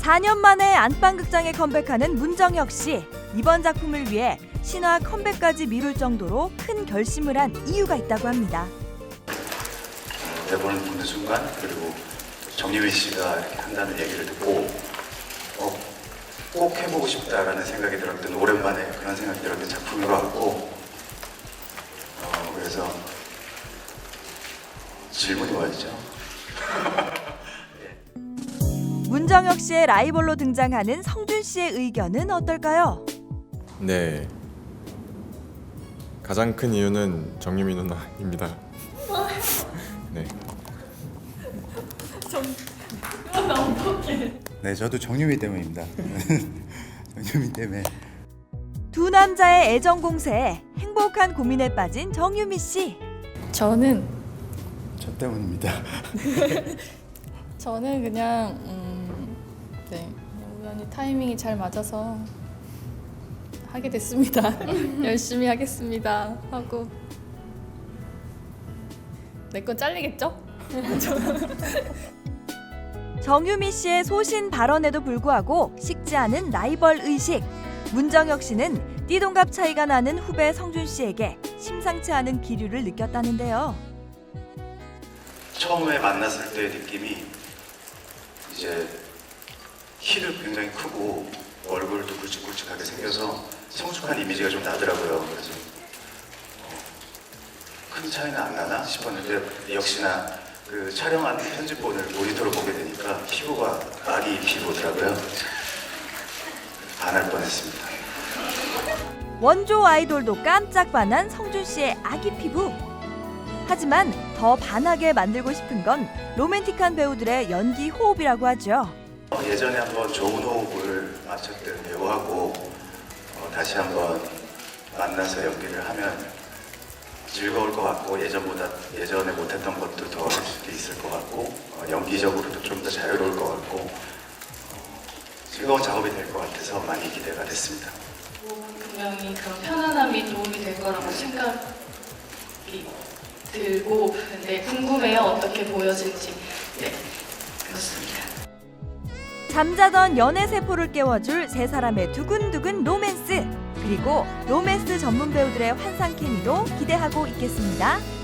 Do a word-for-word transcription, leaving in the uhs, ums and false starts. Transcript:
사 년 만에 안방극장에 컴백하는 문정혁 씨. 이번 작품을 위해 신화 컴백까지 미룰 정도로 큰 결심을 한 이유가 있다고 합니다. 대본을 보는 순간 그리고 정유미 씨가 이렇게 한다는 얘기를 듣고 어, 꼭 해보고 싶다라는 생각이 들었던 오랜만에 그런 생각이 들었던 작품인 것 같고 어, 그래서 질문이 뭐였죠? 문정혁 씨의 라이벌로 등장하는 성준 씨의 의견은 어떨까요? 네, 가장 큰 이유는 정유미 누나입니다. 네. 네, 저도 정유미 때문입니다. 정유미 때문에. 두 남자의 애정 공세에 행복한 고민에 빠진 정유미 씨. 저는 저 때문입니다. 저는 그냥 음, 네 우연히 타이밍이 잘 맞아서 하게 됐습니다. 열심히 하겠습니다 하고 내 건 잘리겠죠? 정유미 씨의 소신 발언에도 불구하고 식지 않은 라이벌 의식. 문정혁 씨는 띠동갑 차이가 나는 후배 성준 씨에게 심상치 않은 기류를 느꼈다는데요. 처음에 만났을 때의 느낌이 이제 키도 굉장히 크고 얼굴도 굵직굵직하게 생겨서 성숙한 이미지가 좀 나더라고요. 그래서 어, 큰 차이는 안 나나 싶었는데 역시나 그 촬영한 편집본을 모니터로 보게 되니까 피부가 아기 피부더라고요. 반할 뻔했습니다. 원조 아이돌도 깜짝 반한 성준 씨의 아기 피부. 하지만 더 반하게 만들고 싶은 건 로맨틱한 배우들의 연기 호흡이라고 하죠. 어, 예전에 한번 좋은 호흡을 맞췄던 배우하고 어, 다시 한번 만나서 연기를 하면 즐거울 것 같고 예전보다 예전에 못했던 것도 더 할 수도 있을 것 같고 어, 연기적으로도 좀 더 자유로울 것 같고 어, 즐거운 작업이 될 것 같아서 많이 기대가 됐습니다. 분명히 그런 편안함이 도움이 될 거라고 생각이 들고 근데 궁금해요. 어떻게 보여질지. 네, 그렇습니다. 잠자던 연애 세포를 깨워줄 세 사람의 두근두근 로맨스. 그리고 로맨스 전문 배우들의 환상 케미도 기대하고 있겠습니다.